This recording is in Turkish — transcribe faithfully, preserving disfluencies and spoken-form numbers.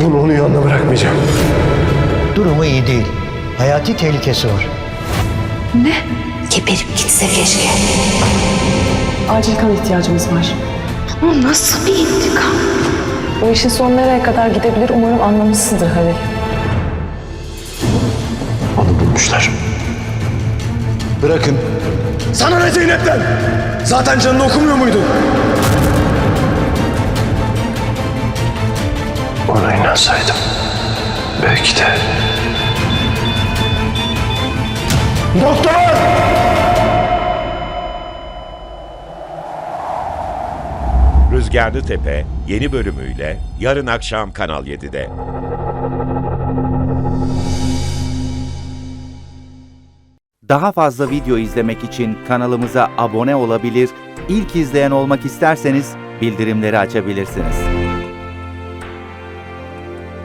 Bunu onun yanına bırakmayacağım. Durumu iyi değil. Hayati tehlikesi var. Ne? Geberip gitse keşke. Acil kan ihtiyacımız var. Bu nasıl bir intikam? Bu işin sonu nereye kadar gidebilir umarım anlamışsındır Halil. Onu bulmuşlar. Bırakın. Sana ne Zeynep'ten? Zaten canını okumuyor muydun? Ona inansaydım. Belki de... Doktor! Rüzgarlı Tepe yeni bölümüyle yarın akşam Kanal yedide. Daha fazla video izlemek için kanalımıza abone olabilir, ilk izleyen olmak isterseniz bildirimleri açabilirsiniz.